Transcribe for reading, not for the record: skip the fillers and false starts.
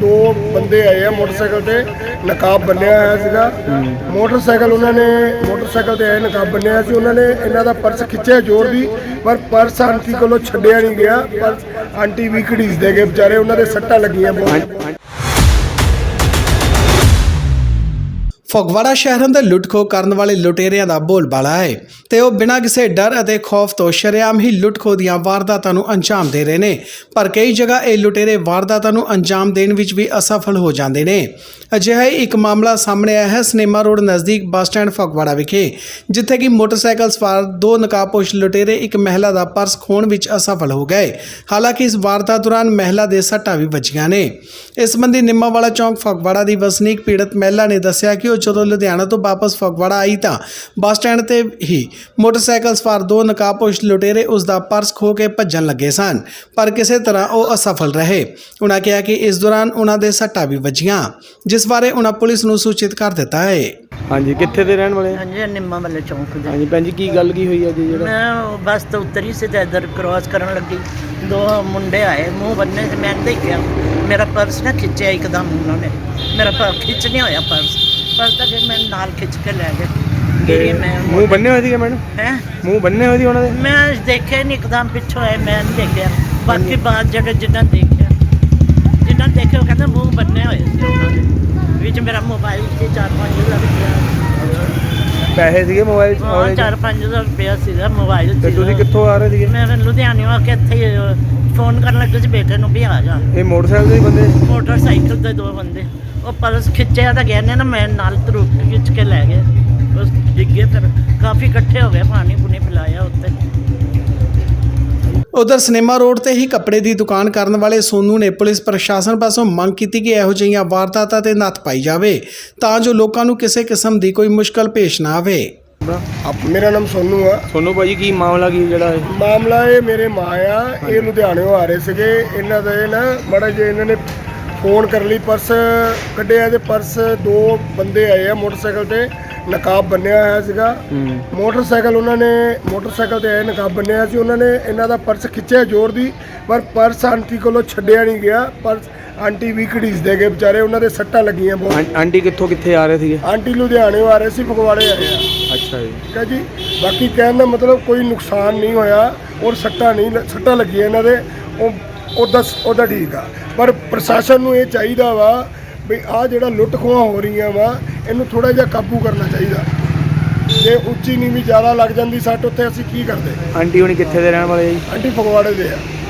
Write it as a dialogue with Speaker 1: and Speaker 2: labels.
Speaker 1: दो बंदे आए हैं मोटरसाइकिल ते नकाब बन्निया होया सीगा। मोटरसाइकिल उन्होंने मोटरसाइकिल ते आए नकाब बन्निया होया सी। उन्होंने इन्हां दा पर्स खिच्चिया जोर दी, पर पर्स आंटी कोलों छड्डिया नहीं गया। पर्स आंटी भी घड़ीसदे गए बेचारे, उन्हां दे सट्टां लगियां बहुत।
Speaker 2: ਫਗਵਾੜਾ ਸ਼ਹਿਰ ਅੰਦਰ ਲੁੱਟ-ਖੋਹ ਕਰਨ ਵਾਲੇ ਲੁਟੇਰਿਆਂ ਦਾ ਬੋਲਬਾਲਾ ਹੈ ਤੇ ਉਹ ਬਿਨਾਂ ਕਿਸੇ ਡਰ ਅਤੇ ਖੌਫ ਤੋਂ ਸ਼ਰੇਆਮ ਹੀ ਲੁੱਟ-ਖੋਹ ਦੀਆਂ ਵਾਰਦਾਤਾਂ ਨੂੰ ਅੰਜਾਮ ਦੇ ਰਹੇ ਨੇ। ਪਰ ਕਈ ਜਗ੍ਹਾ ਇਹ ਲੁਟੇਰੇ ਵਾਰਦਾਤਾਂ ਨੂੰ ਅੰਜਾਮ ਦੇਣ ਵਿੱਚ ਵੀ ਅਸਫਲ ਹੋ ਜਾਂਦੇ ਨੇ। ਅਜਿਹਾ ਹੀ ਇੱਕ ਮਾਮਲਾ ਸਾਹਮਣੇ ਆਇਆ ਹੈ ਸਿਨੇਮਾ ਰੋਡ ਨਜ਼ਦੀਕ ਬੱਸ ਸਟੈਂਡ ਫਗਵਾੜਾ ਵਿਖੇ, ਜਿੱਥੇ ਕਿ ਮੋਟਰਸਾਈਕਲ ਸਵਾਰ ਦੋ ਨਕਾਬਪੋਸ਼ ਲੁਟੇਰੇ ਇੱਕ ਮਹਿਲਾ ਦਾ ਪਰਸ ਖੋਹਣ ਵਿੱਚ ਅਸਫਲ ਹੋ ਗਏ। ਹਾਲਾਂਕਿ ਇਸ ਵਾਰਦਾਤ ਦੌਰਾਨ ਮਹਿਲਾ ਦੇ ਸੱਟਾਂ ਵੀ ਵੱਜੀਆਂ ਨੇ। ਇਸ ਸੰਬੰਧੀ ਨਿੰਮਾਵਾਲਾ ਚੌਂਕ ਫਗਵਾੜਾ ਦੀ ਵਸਨੀਕ ਪੀੜਤ ਮਹਿਲਾ ਨੇ ਦੱਸਿਆ ਕਿ ਉਹ ਜਦੋਂ ਲੁਧਿਆਣਾ ਤੋਂ ਵਾਪਸ ਫਗਵਾੜਾ ਆਈ ਤਾਂ ਬੱਸ ਸਟੈਂਡ ਤੇ ਹੀ ਮੋਟਰਸਾਈਕਲ ਸਵਾਰ ਦੋ ਨਕਾਬਪੋਸ਼ ਲੁਟੇਰੇ ਉਸ ਦਾ ਪਰਸ ਖੋਹ ਕੇ ਭੱਜਣ ਲੱਗੇ ਸਨ, ਪਰ ਕਿਸੇ ਤਰ੍ਹਾਂ ਉਹ ਅਸਫਲ ਰਹੇ। ਉਨ੍ਹਾਂ ਕਿਹਾ ਕਿ ਇਸ ਦੌਰਾਨ ਉਨ੍ਹਾਂ ਦੇ ਸੱਟਾਂ ਵੀ ਵੱਜੀਆਂ, ਜਿਸ ਬਾਰੇ ਉਨ੍ਹਾਂ ਪੁਲਿਸ ਨੂੰ ਸੂਚਿਤ ਕਰ ਦਿੱਤਾ ਹੈ।
Speaker 3: ਹਾਂਜੀ, ਕਿੱਥੇ ਦੇ ਰਹਿਣ ਵਾਲੇ?
Speaker 4: ਹਾਂਜੀ, ਨਿੰਮਾਵਾਲੇ ਚੌਂਕ ਦੇ।
Speaker 3: ਹਾਂਜੀ ਭੈਣ ਜੀ, ਕੀ ਗੱਲ ਕੀ ਹੋਈ ਹੈ ਜੀ? ਜਿਹੜਾ
Speaker 4: ਮੈਂ ਬੱਸ ਤੋਂ ਉਤਰੀ ਸੀ ਤੇ ਇੱਧਰ ਕ੍ਰੋਸ ਕਰਨ ਲੱਗੀ, ਦੋ ਮੁੰਡੇ ਆਏ ਮੂੰਹ ਬੰਨੇ ਤੇ ਮੈਂ ਦੇਖਿਆ ਮੇਰਾ ਪਰਸ ਨਾ ਖਿੱਚਿਆ ਇੱਕਦਮ ਉਹਨਾਂ ਨੇ। ਮੇਰਾ ਖਿੱਚ ਨਹੀਂ ਹੋਇਆ ਪਰਸ ਤਾਂ ਫਿਰ ਮੈਂ ਨਾਲ ਖਿੱਚ ਕੇ ਲੈ ਗਏ। ਮੈਂ
Speaker 3: ਮੂੰਹ ਬੰਨੇ ਹੋਏ ਸੀਗੇ ਮੈਡਮ?
Speaker 4: ਹੈਂ?
Speaker 3: ਮੂੰਹ ਬੰਨੇ ਹੋਏ ਸੀ ਉਹਨਾਂ ਦੇ?
Speaker 4: ਮੈਂ ਦੇਖਿਆ ਨਹੀਂ, ਇੱਕਦਮ ਪਿੱਛੋਂ ਆਏ, ਮੈਂ ਨਹੀਂ ਦੇਖਿਆ। ਬਾਕੀ ਬਾਅਦ ਜਿਨ੍ਹਾਂ ਦੇਖਿਆ ਉਹ ਕਹਿੰਦੇ ਮੂੰਹ ਬੰਨੇ ਹੋਏ ਸੀ ਉਹਨਾਂ ਦੇ। ਵਿੱਚ ਮੇਰਾ ਮੋਬਾਈਲ ਸੀ 4-5 ਹਜ਼ਾਰ ਰੁਪਇਆ।
Speaker 3: ਪੈਸੇ ਸੀਗੇ ਮੋਬਾਈਲ 'ਚ?
Speaker 4: 4-5 ਹਜ਼ਾਰ ਰੁਪਇਆ ਸੀਗਾ ਮੋਬਾਈਲ।
Speaker 3: ਤੇ ਤੁਸੀਂ ਕਿੱਥੋਂ ਆ ਰਹੇ ਸੀਗੇ?
Speaker 4: ਮੈਂ ਲੁਧਿਆਣੇ ਆ ਕੇ ਇੱਥੇ ਫੋਨ ਕਰਨ ਲੱਗੇ ਸੀ ਬੇਟੇ ਨੂੰ ਵੀ ਆ ਜਾ।
Speaker 3: ਇਹ ਮੋਟਰਸਾਈਕਲ ਦੇ ਬੰਦੇ?
Speaker 4: ਮੋਟਰਸਾਈਕਲ ਦੇ ਦੋ ਬੰਦੇ। ਉਹ ਪਰਸ ਖਿੱਚਿਆ ਤਾਂ ਗਿਆ ਨੇ ਨਾ, ਮੈਂ ਨਾਲ ਤਰੂ ਖਿੱਚ ਕੇ ਲੈ ਗਏ। ਬਸ ਡਿੱਗੇ, ਫਿਰ ਕਾਫੀ ਇਕੱਠੇ ਹੋ ਗਏ, ਪਾਣੀ ਪੂਣੀ ਪਿਲਾਇਆ ਉੱਤੇ।
Speaker 2: ਉਧਰ ਸਿਨੇਮਾ ਰੋਡ ਤੇ ਹੀ ਕੱਪੜੇ ਦੀ ਦੁਕਾਨ ਕਰਨ ਵਾਲੇ ਸੋਨੂ ਨੇ ਪੁਲਿਸ ਪ੍ਰਸ਼ਾਸਨ ਪਾਸੋਂ ਮੰਗ ਕੀਤੀ ਕਿ ਇਹੋ ਜਿਹੀਆਂ ਵਾਰਦਾਤਾਂ ਤੇ ਨੱਥ ਪਾਈ ਜਾਵੇ ਤਾਂ ਜੋ ਲੋਕਾਂ ਨੂੰ ਕਿਸੇ ਕਿਸਮ ਦੀ ਕੋਈ ਮੁਸ਼ਕਲ ਪੇਸ਼ ਨਾ ਆਵੇ।
Speaker 1: मेरा नाम सोनू है।
Speaker 3: ਸੋਨੂ ਭਾਜੀ, ਕੀ ਮਾਮਲਾ ਕੀ ਜਿਹੜਾ ਹੈ?
Speaker 1: मामला ये मेरे माँ आ, ये लुधियाने आ रहे थे। इन्हों का ना बड़ा जे इन्होंने फोन कर ली, पर्स कढ़िया ते पर्स दो बंदे आए हैं मोटरसाइकिल ते नकाब बन्निया होया सीगा। मोटरसाइकिल उन्होंने मोटरसाइकिल ते आए नकाब बन्निया सी। उन्होंने इन्हों दा पर्स खिच्चिया जोर दी, पर पर्स आंटी कोलों छड्डिया नहीं गया। पर्स आंटी भी घड़ीसदे गए बेचारे, उन्होंने सट्टां लगियां बहुत।
Speaker 3: ਆਂਟੀ ਕਿੱਥੇ ਆ ਰਹੇ ਸੀਗੇ?
Speaker 1: आंटी लुधियाने आ रहे सी, फगवाड़े आए हैं।
Speaker 3: ਅੱਛਾ ਜੀ।
Speaker 1: ठीक है जी, बाकी कहने का मतलब कोई नुकसान नहीं होया और सट्टां लगियां इन्हां दे, ਉਹਦਾ ठीक आ। पर प्रशासन ਨੂੰ ਇਹ ਚਾਹੀਦਾ ਵਾ ਵੀ ਆਹ ਜਿਹੜਾ ਲੁੱਟ ਖੋਹਾਂ ਹੋ ਰਹੀਆਂ ਵਾ, ਇਹਨੂੰ ਥੋੜਾ ਜਿਹਾ ਕਾਬੂ ਕਰਨਾ ਚਾਹੀਦਾ। ਜੇ ਉੱਚੀ ਨੀਵੀਂ ਜ਼ਿਆਦਾ ਲੱਗ ਜਾਂਦੀ ਸੱਟ, ਉੱਥੇ ਅਸੀਂ ਕੀ ਕਰਦੇ?
Speaker 3: ਆਂਟੀ ਹੁਣੀ ਕਿੱਥੇ ਦੇ ਰਹਿਣ ਵਾਲੇ ਜੀ?
Speaker 1: ਆਂਟੀ ਫਗਵਾੜੇ ਦੇ ਆ।